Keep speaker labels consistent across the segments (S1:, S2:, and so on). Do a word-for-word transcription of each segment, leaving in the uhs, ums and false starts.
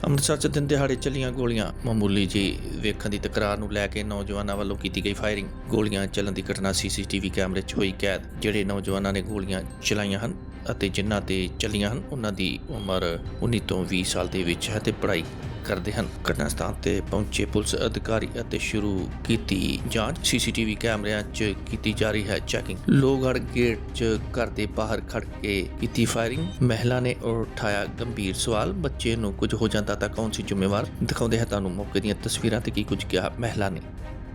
S1: ਅੰਮ੍ਰਿਤਸਰ 'ਚ ਦਿਨ ਦਿਹਾੜੇ ਚੱਲੀਆਂ ਗੋਲੀਆਂ ਮਾਮੂਲੀ ਜਿਹੀ ਵੇਖਣ ਦੀ ਤਕਰਾਰ ਨੂੰ ਲੈ ਕੇ ਨੌਜਵਾਨਾਂ ਵੱਲੋਂ ਕੀਤੀ ਗਈ ਫਾਇਰਿੰਗ। ਗੋਲੀਆਂ ਚੱਲਣ ਦੀ ਘਟਨਾ ਸੀਸੀਟੀਵੀ ਕੈਮਰੇ 'ਚ ਹੋਈ ਕੈਦ। ਜਿਹੜੇ ਨੌਜਵਾਨਾਂ ਨੇ ਗੋਲੀਆਂ ਚਲਾਈਆਂ ਹਨ ਅਤੇ ਜਿਨ੍ਹਾਂ ਤੇ ਚੱਲੀਆਂ ਹਨ ਉਹਨਾਂ ਦੀ ਉਮਰ ਉੱਨੀ ਤੋਂ ਵੀਹ ਸਾਲ ਦੇ ਵਿੱਚ ਹੈ ਤੇ ਪੜ੍ਹਾਈ ਕਰਦੇ ਹਨ। ਘਟਨਾ ਸਥਾਨ ਤੇ ਪਹੁੰਚੇ ਪੁਲਿਸ ਅਧਿਕਾਰੀ ਅਤੇ ਸ਼ੁਰੂ ਕੀਤੀ ਜਾਂਚ। ਸੀਸੀਟੀਵੀ ਕੈਮਰਿਆਂ 'ਚ ਕੀਤੀ ਜਾ ਰਹੀ ਹੈ ਚੈਕਿੰਗ। ਲੋਹਗੜ੍ਹ ਗੇਟ 'ਚ ਘਰ ਦੇ ਬਾਹਰ ਖੜ ਕੇ ਕੀਤੀ ਫਾਇਰਿੰਗ। ਮਹਿਲਾ ਨੇ ਉਠਾਇਆ ਗੰਭੀਰ ਸਵਾਲ, ਬੱਚੇ ਨੂੰ ਕੁਝ ਹੋ ਜਾਂਦਾ ਤਾਂ ਕੌਣ ਸੀ ਜ਼ਿੰਮੇਵਾਰ। ਦਿਖਾਉਂਦੇ ਹੈ ਤੁਹਾਨੂੰ ਮੌਕੇ ਦੀਆਂ ਤਸਵੀਰਾਂ ਤੇ ਕੀ ਕੁਝ ਕਿਹਾ ਮਹਿਲਾ ਨੇ।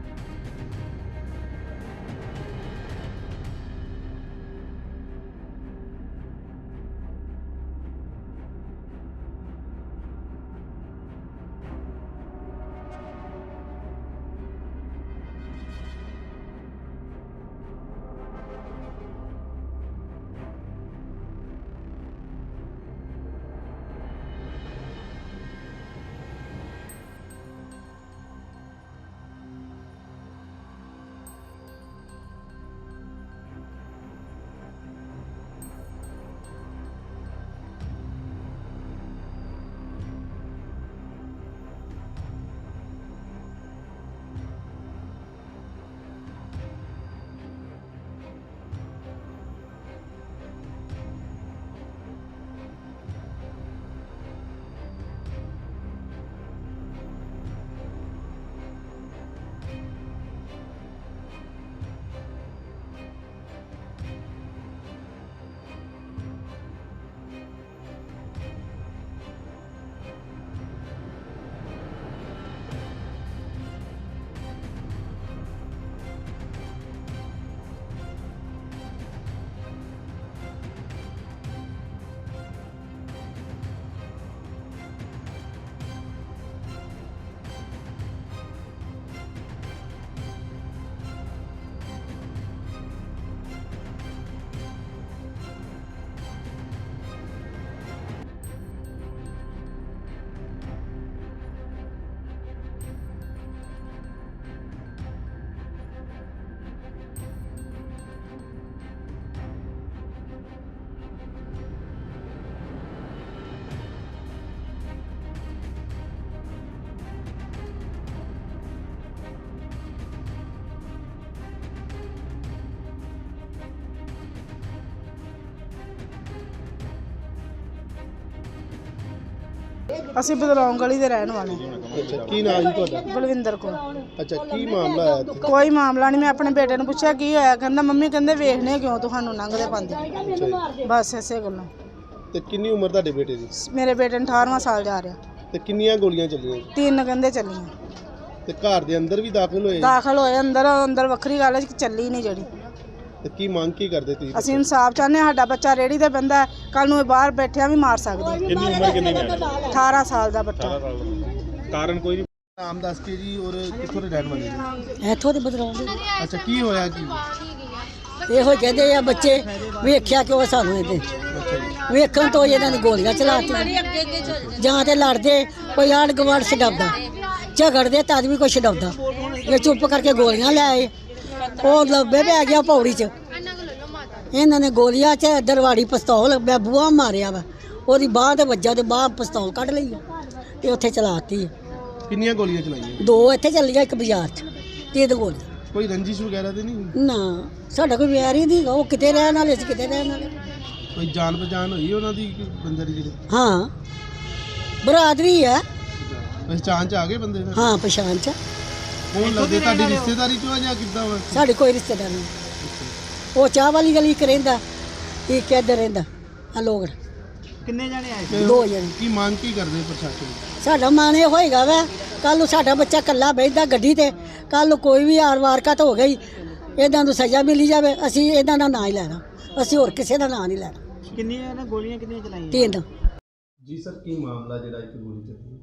S2: ਅਸੀਂ ਬਦਲੌਂਗ ਗਲੀ ਦੇ ਰਹਿਣ ਵਾਲੇ।
S3: ਅੱਛਾ, ਕੀ ਨਾਮ ਜੀ ਤੁਹਾਡਾ?
S2: ਬਲਵਿੰਦਰ ਕੌਰ।
S3: ਅੱਛਾ, ਕੀ ਮਾਮਲਾ ਆਇਆ ਇੱਥੇ?
S2: ਕੋਈ ਮਾਮਲਾ ਨਹੀਂ। ਮੈਂ ਆਪਣੇ ਬੇਟੇ ਨੂੰ ਪੁੱਛਿਆ ਕੀ ਹੋਇਆ, ਕਹਿੰਦਾ ਮੰਮੀ ਕਹਿੰਦੇ ਵੇਖਣੇ ਕਿਉਂ ਤੁਹਾਨੂੰ ਲੰਘਦੇ ਪਾਉਂਦੇ। ਬਸ ਇਸੇ ਗੱਲੋਂ।
S3: ਤੇ ਕਿੰਨੀ ਉਮਰ ਤੁਹਾਡੇ ਬੇਟੇ ਦੀ?
S2: ਮੇਰੇ ਬੇਟੇ ਨੂੰ ਅਠਾਰਵਾਂ ਸਾਲ ਜਾ ਰਿਹਾ।
S3: ਤੇ ਕਿੰਨੀਆਂ ਗੋਲੀਆਂ ਚੱਲੀਆਂ?
S2: ਤਿੰਨ ਕਹਿੰਦੇ ਚੱਲੀਆਂ।
S3: ਤੇ ਘਰ ਦੇ ਅੰਦਰ ਵੀ ਦਾਖਲ ਹੋਏ?
S2: ਦਾਖਲ ਹੋਏ ਅੰਦਰ। ਅੰਦਰ ਵੱਖਰੀ ਗੱਲ ਹੈ ਕਿ ਚੱਲੀ ਨਹੀਂ ਜਿਹੜੀ।
S3: ਤੇ ਕੀ ਮੰਗ ਕੀ ਕਰਦੇ ਤੁਸੀਂ?
S2: ਅਸੀਂ ਇਨਸਾਫ ਚਾਹੁੰਦੇ ਹਾਂ। ਸਾਡਾ ਬੱਚਾ ਰੇੜੀ ਤੇ ਬੰਦਾ ਕੱਲ ਨੂੰ ਇਹ ਬਾਹਰ ਬੈਠਿਆ ਵੀ ਮਾਰ ਸਕਦਾ।
S3: ਕਿੰਨੀ ਉਮਰ ਕਿੰਨੀ ਹੈ?
S2: ਅਠਾਰਾਂ ਸਾਲ ਦਾ ਬੱਚਾ।
S3: ਕਾਰਨ ਕੋਈ ਨਹੀਂ। ਨਾਮ ਦੱਸ ਕੇ ਜੀ। ਔਰ ਕਿੱਥੋਂ ਦੇ ਰਹਿਣ ਵਾਲੇ ਜੀ?
S4: ਇੱਥੋਂ ਦੇ ਬਦਲਾਉਂਦੇ
S3: ਅੱਛਾ, ਕੀ ਹੋਇਆ ਕੀ?
S4: ਇਹੋ ਕਹਿੰਦੇ ਆ ਬੱਚੇ ਵੇਖਿਆ ਕਿਉਂ ਸਾਨੂੰ ਇਹਦੇ
S3: ਅੱਛਾ ਜੀ।
S4: ਵੇਖਣ ਤੋਂ ਇਹਨਾਂ ਨੇ ਗੋਲੀਆਂ ਚਲਾਤੀਆਂ। ਜਾਂ ਤੇ ਲੜਦੇ ਕੋਈ ਆੜ ਗਵਾੜ ਛਡਾਉਂਦਾ, ਝਗੜਦੇ ਤਦ ਵੀ ਕੋਈ ਛਡਾਉਂਦਾ। ਇਹ ਚੁੱਪ ਕਰਕੇ ਗੋਲੀਆਂ ਲੈ ਆਏ। ਉਹ ਲੱਭੇ ਪੈ ਗਿਆ ਪੌੜੀ 'ਚ। ਇਹਨਾਂ ਨੇ ਗੋਲੀਆਂ 'ਚ ਦਰਵਾੜੀ ਪਿਸਤੌਲ ਮੈਂ ਬੂਹਾ ਮਾਰਿਆ ਵਾ, ਉਹਦੀ ਬਾਂਹ ਤੇ ਵੱਜਾ ਤੇ ਬਾਂਹ ਪਿਸਤੌਲ ਕੱਢ ਲਈ ਆ ਤੇ ਉੱਥੇ ਚਲਾਤੀ ਆ।
S3: ਕਿੰਨੀਆਂ ਗੋਲੀਆਂ ਚਲਾਈਆਂ?
S4: ਦੋ ਇੱਥੇ ਚੱਲੀਆਂ, ਇੱਕ ਬਾਜ਼ਾਰ 'ਚ। ਤਿੰਨ ਗੋਲੀਆਂ।
S3: ਕੋਈ ਰੰਜਿਸ਼ ਵਗੈਰਾ ਤੇ ਨਹੀਂ?
S4: ਨਾ ਸਾਡਾ ਕੋਈ ਵਿਆਹ ਹੀ ਨਹੀਂ। ਉਹ ਕਿਤੇ ਰਹਿਣ ਵਾਲੇ ਸੀ, ਕਿਤੇ ਰਹਿਣ ਵਾਲੇ।
S3: ਕੋਈ ਜਾਣ ਪਛਾਣ ਹੋਈ ਉਹਨਾਂ ਦੀ ਬੰਦੇ ਦੀ? ਜਿਹੜੇ
S4: ਹਾਂ ਬਰਾਦਰੀ ਹੈ।
S3: ਪਛਾਣ ਚ ਆ ਗਏ ਬੰਦੇ?
S4: ਹਾਂ ਪਛਾਣ ਚ।
S3: ਕੌਣ ਲੱਗਦੇ? ਤੁਹਾਡੀ ਰਿਸ਼ਤੇਦਾਰੀ ਚੋਂ ਆ ਜਾਂ ਕਿੱਦਾਂ ਵਾ?
S4: ਸਾਡੇ ਕੋਈ ਰਿਸ਼ਤੇਦਾਰ ਨਹੀਂ। ਉਹ ਚਾਹ ਵਾਲੀ ਗਲੀ ਇੱਕ ਰਹਿੰਦਾ, ਇੱਕ ਇੱਧਰ ਰਹਿੰਦਾ ਆ ਲੋਗੜ।
S3: ਕਿੰਨੇ ਜਣੇ ਆਏ?
S4: ਦੋ ਜਣੇ।
S3: ਕੀ ਮੰਗ ਕੀ ਕਰਦੇ ਪ੍ਰਸ਼ਾਸਨ?
S4: ਸਾਡਾ ਮਨ ਇਹ ਹੋਏਗਾ ਵਾ ਕੱਲ ਨੂੰ ਸਾਡਾ ਬੱਚਾ ਇਕੱਲਾ ਬੈਠਦਾ ਗੱਡੀ ਤੇ, ਕੱਲ ਨੂੰ ਕੋਈ ਵੀ ਆਰ ਵਾਰਕਤ ਹੋ ਗਈ ਇਹਨਾਂ ਨੂੰ ਸਜ਼ਾ ਮਿਲੀ ਜਾਵੇ। ਅਸੀਂ ਇਹਨਾਂ ਦਾ ਨਾਂ ਹੀ ਲੈਣਾ, ਅਸੀਂ ਹੋਰ ਕਿਸੇ ਦਾ ਨਾਂ ਨਹੀਂ ਲੈਣਾ।
S3: ਕਿੰਨੀਆਂ ਇਹਨਾਂ ਗੋਲੀਆਂ ਕਿੰਨੀਆਂ ਚਲਾਈਆਂ?
S4: ਤਿੰਨ।
S3: ਜੀ ਸਰ, ਕੀ ਮਾਮਲਾ ਜਿਹੜਾ ਇੱਕ ਗੋਲੀ ਚੱਲੀ?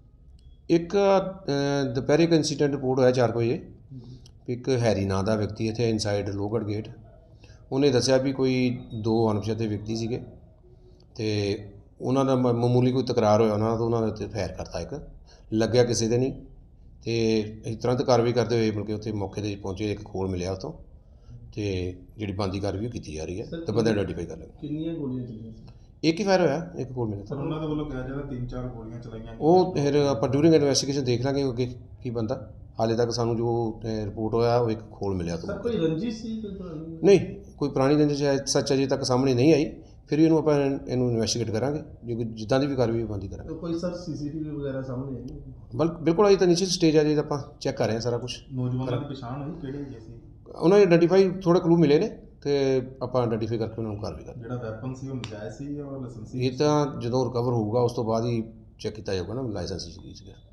S5: ਇੱਕ ਦੁਪਹਿਰੇ ਇੱਕ ਇੰਸੀਡੈਂਟ ਰਿਪੋਰਟ ਹੋਇਆ ਚਾਰ ਵਜੇ। ਇੱਕ ਹੈਰੀ ਨਾਂ ਦਾ ਵਿਅਕਤੀ ਇੱਥੇ ਇਨਸਾਈਡ ਲੋਹਗੜ੍ਹ ਗੇਟ, ਉਹਨੇ ਦੱਸਿਆ ਵੀ ਕੋਈ ਦੋ ਅਣਪਛਾਤੇ ਵਿਅਕਤੀ ਸੀਗੇ ਤੇ ਉਹਨਾਂ ਦਾ ਮ- ਮਾਮੂਲੀ ਕੋਈ ਤਕਰਾਰ ਹੋਇਆ ਉਹਨਾਂ ਦਾ, ਤਾਂ ਉਹਨਾਂ ਦੇ ਉੱਤੇ ਫਾਇਰ ਕਰਤਾ। ਇੱਕ ਲੱਗਿਆ ਕਿਸੇ ਦੇ ਨਹੀਂ ਤੇ ਅਸੀਂ ਤੁਰੰਤ ਕਾਰਵਾਈ ਕਰਦੇ ਹੋਏ ਮਤਲਬ ਕਿ ਉੱਥੇ ਮੌਕੇ 'ਤੇ ਪਹੁੰਚੇ। ਇੱਕ ਖੋਲ ਮਿਲਿਆ ਉੱਥੋਂ ਤੇ ਜਿਹੜੀ ਬਣਦੀ ਕਾਰਵਾਈ ਉਹ ਕੀਤੀ ਜਾ ਰਹੀ ਹੈ ਤੇ ਬੰਦੇ ਆਈਡੈਂਟੀਫਾਈ ਕਰ ਲਏ।
S3: ਕਿੰਨੀਆਂ ਗੋਲੀਆਂ ਚੱਲੀਆਂ?
S5: ਇੱਕ ਹੀ ਫਾਇਰ ਹੋਇਆ, ਇੱਕ ਕੋਲ ਮਿਲਿਆ।
S3: ਸਰ ਉਹਨਾਂ ਦੇ ਵੱਲੋਂ ਕਿਹਾ ਜਾਂਦਾ ਤਿੰਨ ਚਾਰ ਗੋਲੀਆਂ ਚਲਾਈਆਂ।
S5: ਉਹ ਫਿਰ ਆਪਾਂ ਡਿਊਰਿੰਗ ਇਨਵੈਸਟੀਗੇਸ਼ਨ ਦੇਖ ਲਾਂਗੇ ਅੱਗੇ ਕੀ ਬੰਦਾ। ਹਾਲੇ ਤੱਕ ਸਾਨੂੰ ਜੋ ਰਿਪੋਰਟ ਹੋਇਆ ਉਹ ਇੱਕ ਖੋਲ ਮਿਲਿਆ ਤੋਂ।
S3: ਸਰ ਕੋਈ ਰੰਜਿਸ਼ ਸੀ
S5: ਨਹੀਂ, ਕੋਈ ਪੁਰਾਣੀ ਰੰਜਿਸ਼ ਹੈ ਸੱਚ ਅਜੇ ਤੱਕ ਸਾਹਮਣੇ ਨਹੀਂ ਆਈ। ਫਿਰ ਵੀ ਇਹਨੂੰ ਆਪਾਂ ਇਹਨੂੰ ਇਨਵੈਸਟੀਗੇਟ ਕਰਾਂਗੇ, ਜੇ ਕੋਈ ਜਿੱਦਾਂ ਦੀ ਵੀ ਕਾਰਵਾਈ ਬੰਦੀ ਕਰਾਂਗੇ।
S3: ਕੋਈ ਸਰ ਸੀਸੀਟੀਵੀ ਵਗੈਰਾ ਸਾਹਮਣੇ ਆਈ?
S5: ਬਲ ਬਿਲਕੁਲ ਅਜੇ ਤਾਂ ਨੀਚੇ ਸਟੇਜ ਆ, ਜੇ ਆਪਾਂ ਚੈੱਕ ਕਰ ਰਹੇ ਹਾਂ ਸਾਰਾ ਕੁਝ।
S3: ਨੌਜਵਾਨਾਂ ਦੀ ਪਛਾਣ ਹੋਈ ਕਿਹੜੇ ਹੈਗੇ ਸੀ?
S5: ਉਹਨਾਂ ਨੇ ਆਈਡੈਂਟੀਫਾਈ ਥੋੜ੍ਹੇ ਕਲੂ ਮਿਲੇ ਨੇ ਤੇ ਆਪਾਂ ਆਈਡੈਂਟੀਫਾਈ ਕਰਕੇ ਉਹਨਾਂ ਨੂੰ ਕਾਰਵਾਈ ਕਰਾਂਗੇ।
S3: ਜਿਹੜਾ ਵੈਪਨ ਸੀ ਉਹ ਨਜਾਇਜ਼ ਸੀ ਜਾਂ ਲਾਇਸੈਂਸੀ?
S5: ਇਹ ਤਾਂ ਜਦੋਂ ਰਿਕਵਰ ਹੋਊਗਾ ਉਸ ਤੋਂ ਬਾਅਦ ਹੀ ਚੈੱਕ ਕੀਤਾ ਜਾਊਗਾ ਨਾ ਲਾਇਸੈਂਸ ਸੀਗਾ।